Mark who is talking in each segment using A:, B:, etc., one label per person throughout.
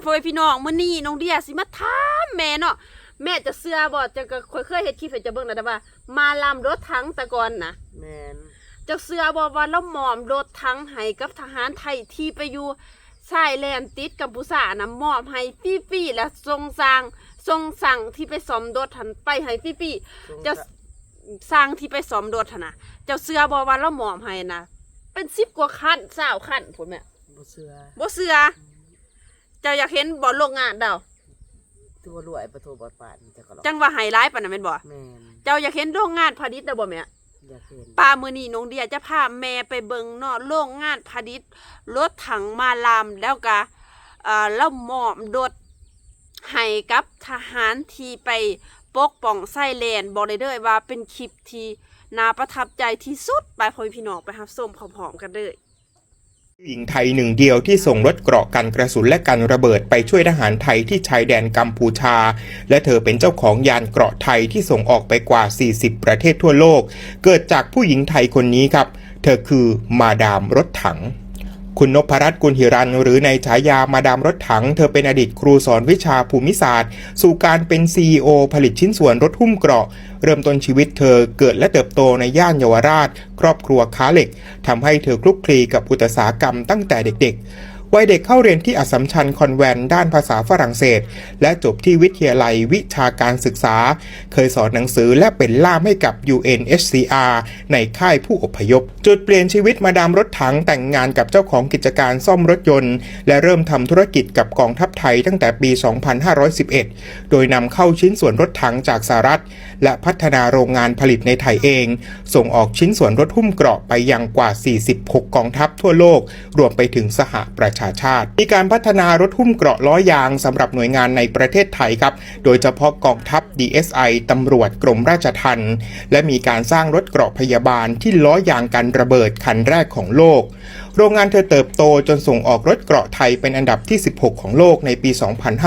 A: พ่อแม่พี่น้องมื้อนี้น้องเดียสิมาถามแม่เนาะแม่จะเชื่อบ่จะก็เคยเฮ็ดคลิปให้จะเบิ่งนะแต่ว่ามาลำรถถังแต่ก่อนนะ
B: แม่น
A: จะเชื่อบ่ว่าเราหมอมรถถังให้กับทหารไทยที่ไปอยู่ชายแดนติดกัมพูชานะมอบให้ฟรีๆและทรงสั่งที่ไปซ่อมรถหันไปให้ฟรีๆจะสร้างที่ไปซ่อมรถหั่นน่ะเจ้าเชื่อบ่ว่าเราหมอมให้นะเป็น10กว่าคัน20คันพุ่นแม่
B: บ่เชื่อ
A: เจ้าอยากเห็นบ่โรงงานเดา
B: ตัวรวยประตูบอดปาน
A: จังว่าไฮไลท์ปานนั้นแม่นบ่
B: แม่น
A: เจ้าอยากเห็นโรงงานผลิตเด้อบ่แม่
B: อยากเห็น
A: ป้ามื้อนี้น้องเดียจะพาแม่ไปเบิ่งเนาะโรงงานผลิตรถถังมาลามแล้วก็แล้วมอบรถให้กับทหารที่ไปปกป้องชายแดนบอกได้เลยว่าเป็นคลิปที่น่าประทับใจที่สุดไปพ่อพี่น้องไปรับชมพร้อมๆกันเลย
C: หญิงไทยหนึ่งเดียวที่ส่งรถเกราะกันกระสุนและกันระเบิดไปช่วยทหารไทยที่ชายแดนกัมพูชาและเธอเป็นเจ้าของยานเกราะไทยที่ส่งออกไปกว่า40ประเทศทั่วโลกเกิดจากผู้หญิงไทยคนนี้ครับเธอคือมาดามรถถังคุณนพรัตน์กุลหิรันหรือในฉายามาดามรถถังเธอเป็นอดีตครูสอนวิชาภูมิศาสตร์สู่การเป็น CEO ผลิตชิ้นส่วนรถหุ้มเกราะเริ่มต้นชีวิตเธอเกิดและเติบโตในย่านเยาวราชครอบครัวค้าเหล็กทำให้เธอคลุกคลีกับอุตสาหกรรมตั้งแต่เด็กๆวัยเด็กเข้าเรียนที่อัสสัมชัญคอนแวนต์ด้านภาษาฝรั่งเศสและจบที่วิทยาลัยวิชาการศึกษาเคยสอนหนังสือและเป็นล่ามให้กับ UNHCR ในค่ายผู้อพยพจุดเปลี่ยนชีวิตมาดามรถถังแต่งงานกับเจ้าของกิจการซ่อมรถยนต์และเริ่มทำธุรกิจกับกองทัพไทยตั้งแต่ปี 2511 โดยนำเข้าชิ้นส่วนรถถังจากสหรัฐและพัฒนาโรงงานผลิตในไทยเองส่งออกชิ้นส่วนรถหุ้มเกราะไปยังกว่า46กองทัพทั่วโลกรวมไปถึงสหประชาชาติมีการพัฒนารถหุ้มเกราะล้อยางสำหรับหน่วยงานในประเทศไทยครับโดยเฉพาะกองทัพ DSI ตำรวจกรมราชทัณฑ์และมีการสร้างรถเกราะพยาบาลที่ล้อยางกันระเบิดคันแรกของโลกโรงงานเธอเติบโตจนส่งออกรถเกราะไทยเป็นอันดับที่16ของโลกในปี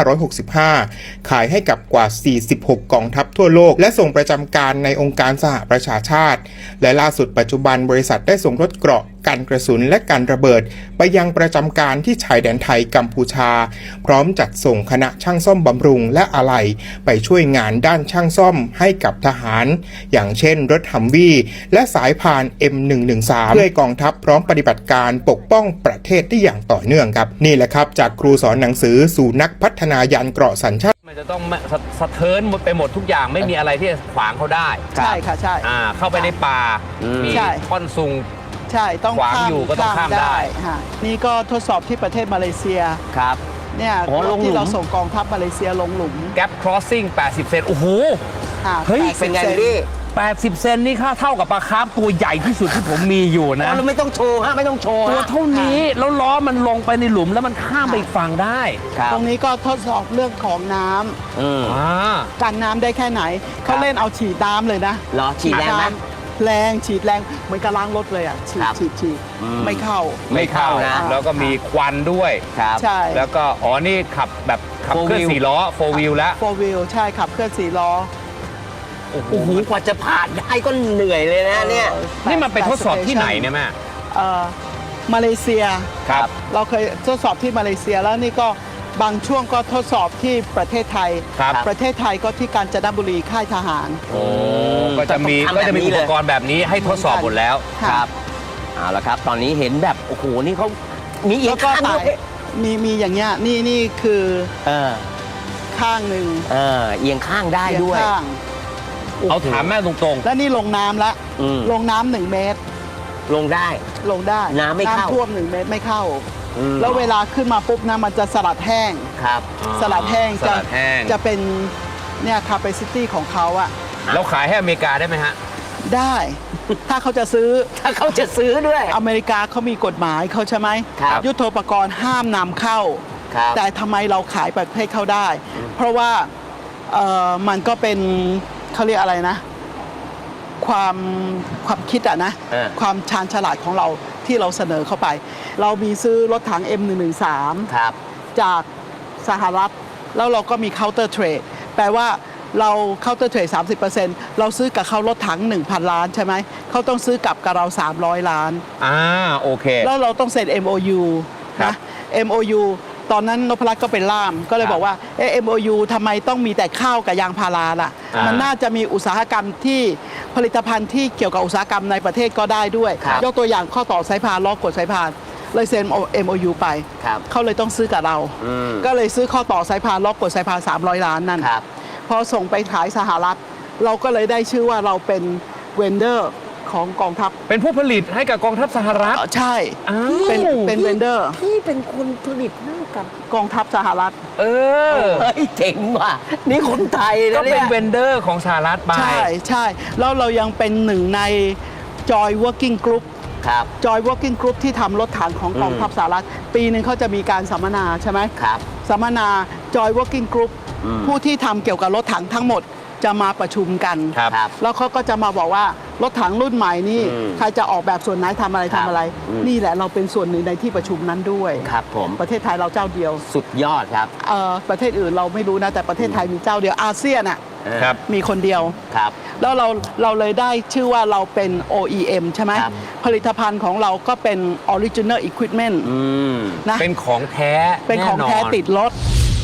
C: 2565 ขายให้กับกว่า46กองทัพทั่วโลกและส่งประจำการในองค์การสหประชาชาติและล่าสุดปัจจุบันบริษัทได้ส่งรถเกราะกันกระสุนและกันระเบิดไปยังประจำการที่ชายแดนไทยกัมพูชาพร้อมจัดส่งคณะช่างซ่อมบำรุงและอะไหล่ไปช่วยงานด้านช่างซ่อมให้กับทหารอย่างเช่นรถฮัมวี่และสายพาน M113 เพื่อให้กองทัพพร้อมปฏิบัติการปกป้องประเทศได้อย่างต่อเนื่องครับนี่แหละครับจากครูสอนหนังสือสู่นักพัฒนายานเกราะสัญชาติ
D: มันจะต้องสะเทินไปหมดทุกอย่างไม่มีอะไรที่ขวางเขาได้
B: ใช่ค่ะใช่
D: เข้าไปในป่ามีท่อนซุง
B: ใช่ต้อง
D: ขวางอยู่ก็ต้องข้ามได้
B: นี่ก็ทดสอบที่ประเทศมาเลเซีย
D: ครับ
B: เนี่ยที่เราส่งกองทัพมาเลเซียลงหลุม
D: Gap Crossing 80 เซนโอ้โห
B: เฮ้ยเป็นไงพี่
D: 80 เซนนี่ค่าเท่ากับปลาคาร์ฟตัวใหญ่ที่สุดที่ผมมีอยู่นะ
B: เราไม่ต้องโชว์ฮะไม่ต้องโชว์
D: ตัวเท่านี้แล้วล้อมันลงไปในหลุมแล้วมันข้ามไปอีกฝั่งได้
B: ตรงนี้ก็ทดสอบเรื่องของน้ำกันน้ำได้แค่ไหนเขาเล่นเอาฉีดน้ำเลยนะ
D: หรอฉีดแรงไหม
B: แรงฉีดแรงเหมือนกับล้างรถเลยอ่ะฉีดไม่เข้า
D: นะแล้วก็มีควันด้วย
B: ใช่
D: แล้วก็นี่ขับแบบขับเคลื่อน4ล้อ4 wheel แล้ว
B: 4 wheel ใช่ขับเคลื่อน4ล้อ
D: โอ้โหกว่าจะผ่านได้ก็เหนื่อยเลยนะเนี่ยนี่มันไปทดสอบที่ไหนเนี่ยแม่
B: มาเลเซีย
D: ครับ
B: เราเคยทดสอบที่มาเลเซียแล้วนี่ก็บางช่วงก็ทดสอบที่ประเทศไทยประเทศไทยก็ที่กาญจนบุรีค่ายทหาร
D: ก็จะมีอุปกรณ์แบบนี้ให้ทดสอบหมดแล้ว
B: ครับ
D: เอาละครับตอนนี้เห็นแบบโอ้โหนี่เขามีอีกข้างด้วย
B: มีอย่างเงี้ยนี่คือข้างหนึ่ง
D: เอียงข้างได้ด้วยเอาถามแม่ตรงๆ
B: แล้วนี่ลงน้ำละลงน้ำ1 เมตร
D: ลงได้น้ำไม่เข้า
B: ท่วม1 เมตรไม่เข้าแล้วเวลาขึ้นมาปุ๊บนะมันจะสลัดแห้ง
D: ครับ
B: สลัดแห้งจะเป็นเนี่ย capacity ของเขาอะ
D: เราขายให้อเมริกาได้ไหมฮะ
B: ได้ถ้าเขาจะซื้อ
D: ด้วย
B: อเมริกาเขามีกฎหมายเขาใช่ไหมยุทโธปกรณ์ห้ามนำเข้าแต่ทำไมเราขายประเทศเขาได้เพราะว่ามันก็เป็นเขาเรียกอะไรนะความคิดอะนะความชาญฉลาดของเราที่เราเสนอเข้าไปเรามีซื้อรถถัง M113 จากสหรัฐแล้วเราก็มี counter trade แปลว่าเรา counter trade 30% เราซื้อกับเขารถถัง 1,000 ล้านใช่ไหมเขาต้องซื้อกลับกับเรา300 ล้าน
D: โอเค
B: แล้วเราต้องเซ็น MOU นะ MOU ตอนนั้นนพรัตน์ก็เป็นล่ามก็เลยบอกว่าMOU ทำไมต้องมีแต่ข้าวกับยางพาราล่ะมันน่าจะมีอุตสาหกรรมที่ผลิตภัณฑ์ที่เกี่ยวกับอุตสาหกรรมในประเทศก็ได้ด้วยยกตัวอย่างข้อต่อสายพานล้อกดสายพานเลยเซ็น MOU ไปเขาเลยต้องซื้อกับเราก็เลยซื้อข้อต่อสายพานล้อกดสายพาน300 ล้านนั่นพอส่งไปขายสหรัฐเราก็เลยได้ชื่อว่าเราเป็นเวนเดอร์ของกองทัพ
D: เป็นผู้ผลิตให้กับกองทัพสหรัฐ
B: ใช่เป็นเวนเดอร์
A: พี่เป็นคนผลิตให้กับ
B: กองทัพสหรัฐ
D: เ
A: ฮ้ยเจ๋งว่ะนี่คนไทยนะเนี่ย
D: ก็เป็นเวนเดอร์ของสหรัฐไป
B: ใช่แล้วเรายังเป็นหนึ่งใน Joy Working Group Joy Working Group ที่ทำรถถังของกองทัพสหรัฐปีหนึ่งเขาจะมีการสัมมนาใช่ไหมสัมมนา Joy Working Group ผู้ที่ทำเกี่ยวกับรถถังทั้งหมดจะมาประชุมกันแล้วเขาก็จะมาบอกว่ารถถังรุ่นใหม่นี่ใครจะออกแบบส่วนไหนทำอะไรนี่แหละเราเป็นส่วนหนึ่งในที่ประชุมนั้นด้วย
D: ครับผม
B: ประเทศไทยเราเจ้าเดียว
D: สุดยอดครับ
B: ประเทศอื่นเราไม่รู้นะแต่ประเทศไทยมีเจ้าเดียวอาเซียนอ่ะมีคนเดียวแล้วเราเลยได้ชื่อว่าเราเป็น OEM ใช่ไหมผลิตภัณฑ์ของเราก็เป็น Original Equipment
D: นะเป็นของแท้
B: เป็นของแท้ติดรถ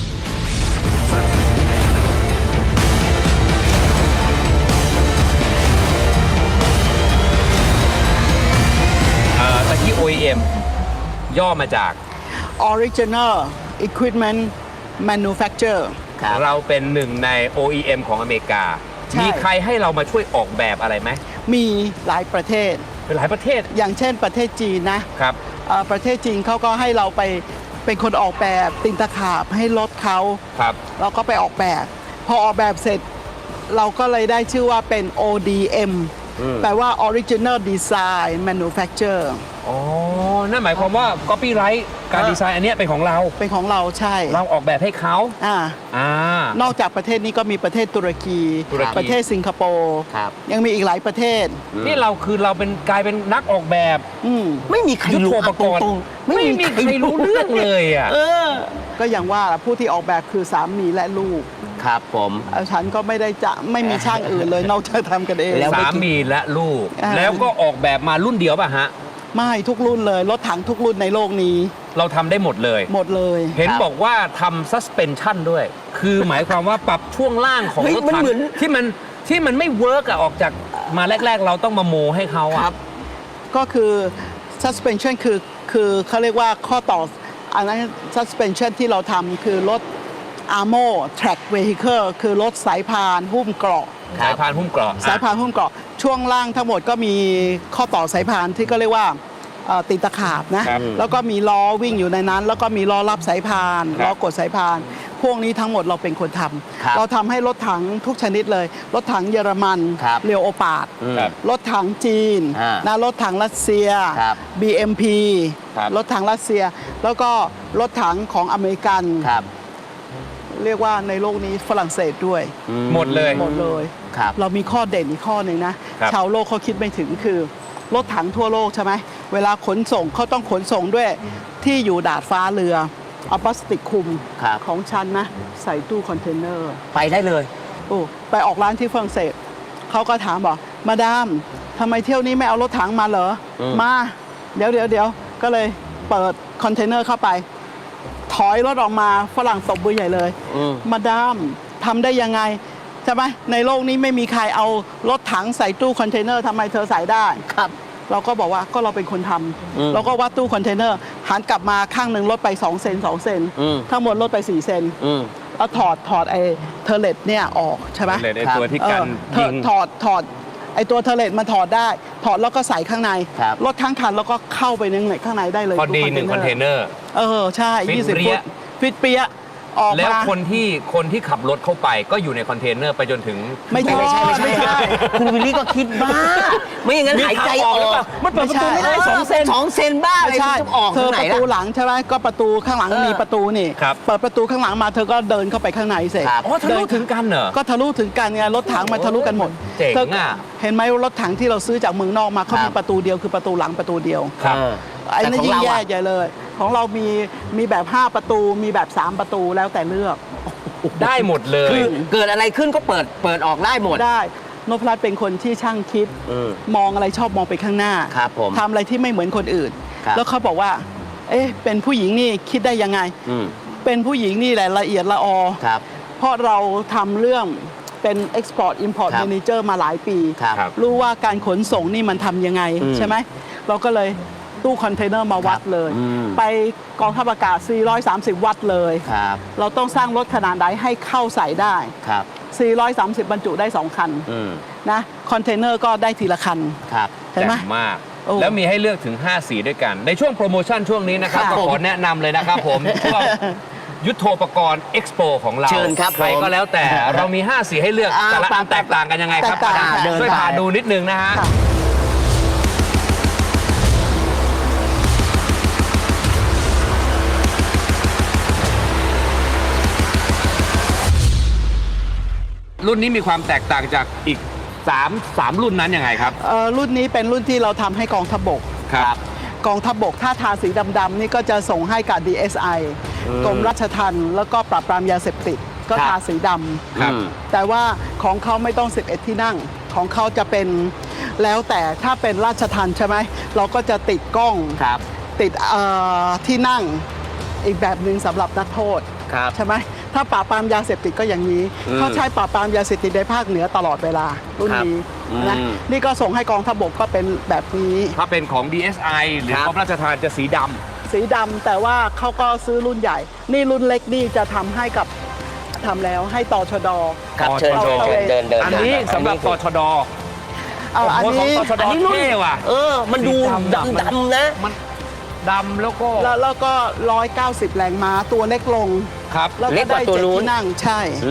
D: ที่ OEM ย่อมาจาก
B: Original Equipment Manufacturer
D: เราเป็นหนึ่งใน OEM ของอเมริกามีใครให้เรามาช่วยออกแบบอะไรไหม
B: มีหลายประเทศ
D: เป็นหลายประเทศ
B: อย่างเช่นประเทศจีนนะครับประเทศจีนเขาก็ให้เราไปเป็นคนออกแบบตินตะขาบให้รถเขาเราก็ไปออกแบบพอออกแบบเสร็จเราก็เลยได้ชื่อว่าเป็น ODMแปลว่า Original Design Manufacturer
D: อ๋อนั่นหมายความว่า Copyright การดีไซน์อันนี้เป็นของเรา
B: ใช่
D: เราออกแบบให้เขา
B: นอกจากประเทศนี้ก็มีประเทศตุรกีประเทศสิงคโปร์ยังมีอีกหลายประเทศ
D: นี่เราเป็นกลายเป็นนักออกแบบ
A: ไม่มีใครรู้
D: ประกอบไม่มีใครรู้เรื่องเลยอ่ะ
B: ก็อย่างว่าผู้ที่ออกแบบคือสามีและลูก
D: ครับผม
B: ฉันก็ไม่มีช่างอื่นเลยนอกจากทำกันเอง
D: สามีและลูกแล้วก็ออกแบบมารุ่นเดียวป่ะฮะ
B: ไม่ทุกรุ่นเลยรถถังทุกรุ่นในโลกนี้
D: เราทำได้หมดเลยเห็นบอกว่าทำ suspension ด้วยคือหมายความว่าปรับช่วงล่างของรถถังที่มันไม่เวิร์กออกจากมาแรกๆเราต้องมาโมให้เขาครับ
B: ก็คือ suspension คือเขาเรียกว่าข้อต่ออันนั้น suspension ที่เราทำคือรถ Armo Track Vehicle คือรถสายพานหุ้มเกราะ
D: สายพานหุ้มเกราะ
B: ช่วงล่างทั้งหมดก็มีข้อต่อสายพานที่ก็เรียกว่าติดตะขาบนะแล้วก็มีล้อวิ่งอยู่ในนั้นแล้วก็มีล้อรับสายพานล้อกดสายพานพวกนี้ทั้งหมดเราเป็นคนทำเราทำให้รถถังทุกชนิดเลยรถถังเยอรมันเรียวโอปาดรถถังจีนนะรถถังรัสเซีย BMP รถถังรัสเซียแล้วก็รถถังของอเมริกันเรียกว่าในโลกนี้ฝรั่งเศสด้วย
D: หมดเลย
B: เรามีข้อเด่นอีกข้อหนึ่งนะชาวโลกเขาคิดไม่ถึงคือรถถังทั่วโลกใช่ไหมเวลาขนส่งเขาต้องขนส่งด้วยที่อยู่ดาดฟ้าเรือเอาพลาสติกคลุมของฉันนะใส่ตู้คอนเทนเนอร์
D: ไปได้เลย
B: ไปออกร้านที่ฝรั่งเศสเขาก็ถามบอกมาดามทำไมเที่ยวนี้ไม่เอารถถังมาเหรอมาเดี๋ยวก็เลยเปิดคอนเทนเนอร์เข้าไปถอยรถออกมาฝรั่งตบมือใหญ่เลยมาดามทำได้ยังไงใช่ไหมในโลกนี้ไม่มีใครเอารถถังใส่ตู้คอนเทนเนอร์ทำไมเธอใส่ได้
A: ครับ
B: เราก็บอกว่าก็เราเป็นคนทำเราก็วัดตู้คอนเทนเนอร์หันกลับมาข้างหนึ่งลดไป2 เซน2 เซนทั้งหมดลดไป4 เซนแล้วถอดไอ้เทอร์เลตเนี่ยออกใช่ไหม
D: ไอ้ตัวที่กันยิง
B: ถอดไอ้ตัวเทอร์เลตมันถอดได้ถอดแล้วก็ใส่ข้างในรถทั้งคันแล้วก็เข้าไปในข้างในได้เลย
D: พอดี1 คอนเทนเนอร์
B: ใช่20 ฟุตฟิตเปีย
D: แล้วคนที่ขับรถเข้าไปก็อยู่ในคอนเทนเนอร์ไปจนถึง
B: ไม่ใช่
A: คุณวิลลี่ก็คิดบ้าไม่อย่างนั้นหายใจออก
D: มันเปิดประตูไม่ได้
A: 2 เซนบ้าอะไรจะออก
B: เธอประตูหลังใช่ไหมก็ประตูข้างหลังมีประตูนี่เปิดประตูข้างหลังมาเธอก็เดินเข้าไปข้างในเสร็จ
D: ทะลุถึงกันเหรอ
B: ก็ทะลุถึงกันไงรถถังมันทะลุกันหมด
D: เจ๋งอ่ะ
B: เห็นไหมรถถังที่เราซื้อจากเมืองนอกมาเขามีประตูเดียวคือประตูหลังประตูเดียวไอ้นั่นยิ่งแย่ใหญ่เลยของเรามีแบบ5 ประตูมีแบบ3 ประตูแล้วแต่เลือก
D: ได้หมดเลย
A: คือเกิดอะไรขึ้นก็เปิดออกได้หมด
B: ได้นพรัตน์เป็นคนที่ช่างคิดมองอะไรชอบมองไปข้างหน้า
D: ครับผม
B: ทำอะไรที่ไม่เหมือนคนอื่นแล้วเขาบอกว่าเป็นผู้หญิงนี่คิดได้ยังไง เป็นผู้หญิงนี่แหละละเอียดละออ
E: ครับ
B: เพราะเราทำเรื่องเป็น Export Import
E: ครับ
B: Manager มาหลายปี
E: ครับ
B: รู้ว่าการขนส่งนี่มันทำยังไงใช่ไหมเราก็เลยตู้คอนเทนเนอร์มาวัดเลย ไปกองทัพอากาศ 430 วัตต์เลย
E: ครับ
B: เราต้องสร้างรถขนาดไหนให้เข้าใส่ได้
E: ครับ
B: 430 บรรจุได้ 2 คันนะคอนเทนเนอร์ก็ได้ทีละคัน
E: ครับ
B: เห็นไหม
D: แจ่มมาก
B: โอ้
D: แล้วมีให้เลือกถึง 5 สีด้วยกัน ในช่วงโปรโมชั่นช่วงนี้นะครับ
B: ค่ะ
D: ก็ขอแนะนำเลยนะครับผม ช่วงยุทโธปกรณ์เอ็กซ์โปของเรา
E: เชิญครับ
D: ใครก็แล้วแต่เรามี 5 สีให้เลือก แต่ละอันแตกต่างกันยังไงครับ
B: แตกต่าง
E: เดิน
D: ช่วย
E: ไป
D: พาดูนิดนึงนะฮะ
B: ค่ะ
D: รุ่นนี้มีความแตกต่างจากอีก3รุ่นนั้นยังไงครับ
B: รุ่นนี้เป็นรุ่นที่เราทำให้กองทัพบก
D: ครับ
B: กองทัพบกถ้าทาสีดำๆนี่ก็จะส่งให้กับ DSI กรมราชทัณฑ์แล้วก็ปราบปรามยาเสพติดก็
E: ครับ
B: ทาสีด
D: ครับ
B: ำแต่ว่าของเขาไม่ต้อง 11 ที่นั่ง ของเขาจะเป็นแล้วแต่ถ้าเป็นราชทัณฑ์ใช่ไหมเราก็จะติดกล้อง
E: ครับ
B: ติดที่นั่งอีกแบบหนึ่งสำหรับนักโทษ
E: ครับ
B: ใช่ไหมถ้าปราบปรามยาเสพติดก็อย่างนี้เขาใช้ปราบปรามยาเสพติดในภาคเหนือตลอดเวลารุ่นนี้นะนี่ก็ส่งให้กองทัพบกก็เป็นแบบนี้
D: ถ้าเป็นของ DSI หรือกรมราชทัณฑ์จะสีดำ
B: สีดำแต่ว่าเขาก็ซื้อรุ่นใหญ่ นี่รุ่นเล็กนี่จะทำให้กับทำแล้วให้ตชด
E: ครับเชิญ
B: เอา
E: เชิญ
B: เอา
E: เชิญเดินเดิน
D: อันนี้
E: เดิน
D: สำหรับตชด
B: เอาอัน
D: โโห
B: นี้
D: ของตชด
E: อันนี้รุ่น
D: เท่ว่ะ
E: มันดู
D: สีดำ
E: ดำนะ
D: มันดำแล้วก็
B: แล้วก็ 190 แรงม้าตัวเล็กลง
D: ครับ
B: แล้ว
E: เล็
B: ก็
E: กกว่า
B: ได้
E: ตัว
B: 7
E: นู้น
B: ที่นั่งใช่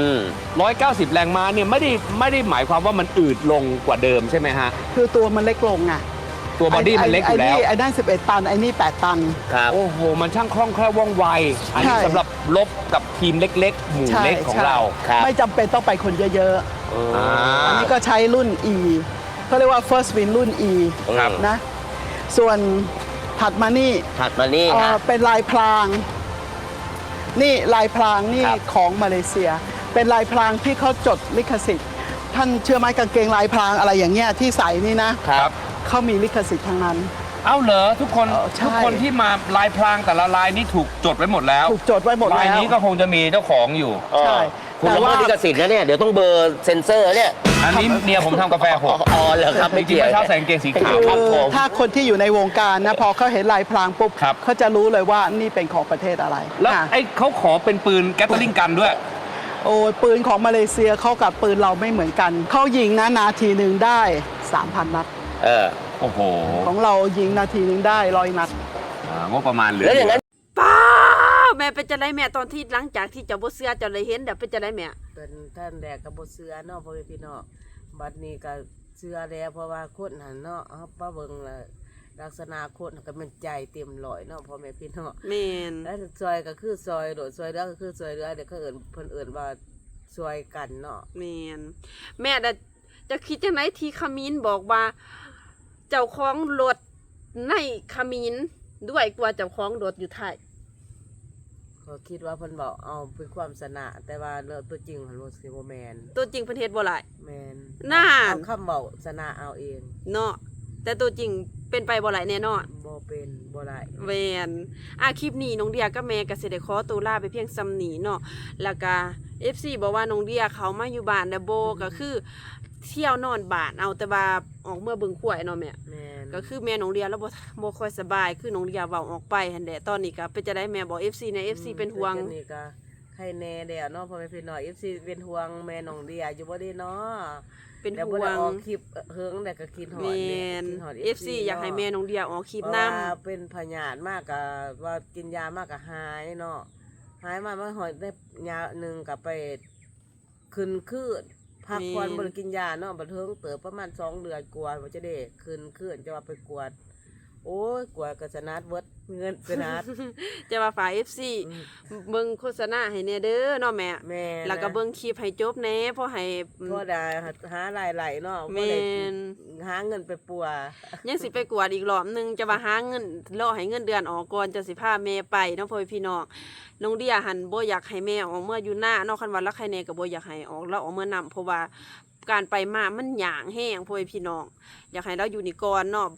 D: 190 แรงม้าเนี่ยไม่ได้หมายความว่ามันอืดลงกว่าเดิมใช่ไหมฮะ
B: คือตัวมันเล็กลงอ่ะ
D: ตัวบอดี้มันเล็กอยู่แล้ว
B: ไอ้นั่น11 ตันไอ้นี่8 ตัน
E: ครับ
D: โอ้โห มันช่างคล่องแคล่วว่องไว อันนี้
B: ใช่
D: สำหรับลบกับทีมเล็ก ๆ หมู่
B: ใช่
D: เล็กของ
B: ใช่
D: เรา
E: ครับ
B: ไม่จำเป็นต้องไปคนเยอะ
D: อ่า
B: ๆ อันนี้ก็ใช้รุ่น E เขาเรียกว่า first win รุ่น E
E: ครับ
B: นะส่วนถัดมานี่
E: ถัดมานี่ฮะ
B: เป็นลายพราง นี่ลายพรางนี่
E: ครับ
B: ของมาเลเซีย เป็นลายพรางที่เขาจดลิขสิทธิ์ ท่านเชื่อไหมกางเกงลายพรางอะไรอย่างเงี้ยที่ใส่นี่นะครับ เขามีลิขสิทธิ์ทั้งนั้น
D: เอ้าเหรอทุกคน
B: ใช่
D: ทุกคนที่มาลายพรางแต่ละลายนี้ถูกจดไว้หมดแล้ว
B: ถูกจดไว้หมด
D: ลาย
B: แล้ว
D: นี้ก็คงจะมีเจ้าของอยู่
B: ใช่
E: คุณ
B: แต่
E: ละเมิ
B: ว่า
E: ดลิขสิทธิ์นะเนี่ย เดี๋ยวต้องเบอร์เซ็นเซอร์เนี่ย
D: อันนี้เมียผมทำกาแฟหก
E: อ๋อเหรอครับ
D: จ
E: ไม่
D: ริงๆ
E: เกี่ยว
D: เมื่อเช้าใส่กางเกงสีขาวครับผม
B: ถ้าคนที่อยู่ในวงการนะพอเขาเห็นลายพรางปุ๊บ
D: ครับ
B: เขาจะรู้เลยว่านี่เป็นของประเทศอะไร
D: แล้ว
B: ค่ะ
D: ไอ้เขาขอเป็นปืนแกตเตอร์ลิงกันด้วย
B: โอ้ยปืนของมาเลเซียเขากับปืนเราไม่เหมือนกัน เขายิงนะนาทีหนึ่งได้ 3,000 นัด
D: โอ้โห
B: ของเรายิงนาทีหนึ่งได้100 นัด
D: งบประมาณเหลือ
E: แล้วอย่างนั้น
A: ป้าแม่เป็นจะไรแม่ตอนที่หลังจากที่เจ้าบ่เสือเจ้าเลยเห็นเดี๋ยวเป็นจะไรแม่
F: เป็นท่านแรกกับบเสือเนาะพ่อแม่พี่น้องบัดนี้ก็เสือแล้วเพราะว่าคนหันเนาะเอาป้าเบิ่งละลักษณะคนก็มันใจเต็มร้อยเนาะพ่อแม่พี่น้อง
A: แม่น
F: แล้วซอยก็คือซอยโดดซอยเรือก็คือซอยเรือเดี๋ยวเขาเพิ่นว่าซอยกันเนาะ
A: แม่นแม่จะคิดจังไหนที่ขมิ้นบอกว่า เจ้าของรถในขมิ้นด้วยกว่าเจ้าของรถอยู่ไทย
F: เขาคิดว่าเพิ่นบอกเอาเป็นความสนะแต่ว่าเรื่องตัวจริงของรถสิบ่แม่น
A: ตัวจริงประเทศบ่หลาย
F: แม่น
A: น่า
F: เอาคำบอกสนะเอาเอง
A: เนาะแต่ตัวจริงเป็นไปบ่หลายแน่นอน
F: บ่เป็นบ่ได้
A: แวนคลิปนี้น้องเดียกับแม่ก็สิได้ขอตัวลาไปเพียงซ้ำนี้เนาะแล้วก็ FC บอกว่าน้องเดียเขามาอยู่บ้านแล้วโบก็คือเที่ยวนอนบ้านเอาแต่ว่าออกเมื่อเบิ่งขวายเนาะแม่
F: แม่น
A: ก็คือแม่น้องเดียแล้วบ่ค่อยสบายคือน้องเดียเว้าออกไปหั่นแหละตอนนี้ก็เป็นจะได้แม่บอก FC ใน FC เป็นห่วง
F: แต่นี่ก็ใครแน่เดี๋ยวเนาะพ่อแม่พี่น้อง FC เป็นห่วงแม่น้องเดียอยู่บ่ได้เนาะ
A: เป็น
F: แล้ว
A: ห่
F: บ่
A: ว
F: ได้
A: ง
F: ออกคลิปเฮิงแต่ก็คิดฮอด
A: แม่
F: เนี่ย
A: น
F: คิดฮอด
A: FC อยากให้แม่น้องเดียออกคลิป
F: เพราะ
A: นํ
F: ว่าเป็นพยาธิมากก็ว่ากินยามากก็หายเนาะหายมาหอยได้ยาหนึงก็ไปขึ้นคืนพักผ่อนบ่ได้กินยาเนาะบัดเทิงเติบประมาณ2 เดือนกว่าว่าจะได้ขึ้นคืนจะว่าไปกวด โอ้ยกวดก็สนัดเบิดเงินสนัด
A: จะว่าฝ่าย FC เบิ่งโฆษณาให้แน่เด้อเนาะแม่
F: แม่
A: แล้วก็เบิ่งคลิปให้จบแหน่เพราะให้
F: พ่อได้หารายไหลเนาะ
A: แม่น
F: หาเงินไปปัว
A: ยังสิไปกวดอีกรอบหนึงจะว่าหาเงินรอให้เงินเดือนออกก่อนจะสิพาแม่ไปเนาะพ่อพี่น้องน้องเดียหันบ่อยากให้แม่ออกเมื่ออยู่หน้าเนาะคันว่าละใครแน่ก็บ่อยากให้ออกแล้วออกเมื่อนำเพราะว่าการไปมามันหยางแห้งพ่อพี่น้องอยากให้เราอยู่นี่ก่อนเนาะบัด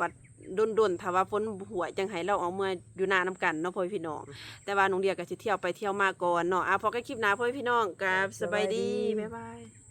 A: ดนๆถ้าว่าฝนหัวจังให้เราเอาเมื่ออยู่นานํกันเนาะพ่อพี่น้องแต่ว่าน้องเดียก็สิเที่ยวไปเที่ยวมาก่อนเนาะพอกันคลิปหน้าพ่อพี่น้องกับสบายดีบ๊ายบาย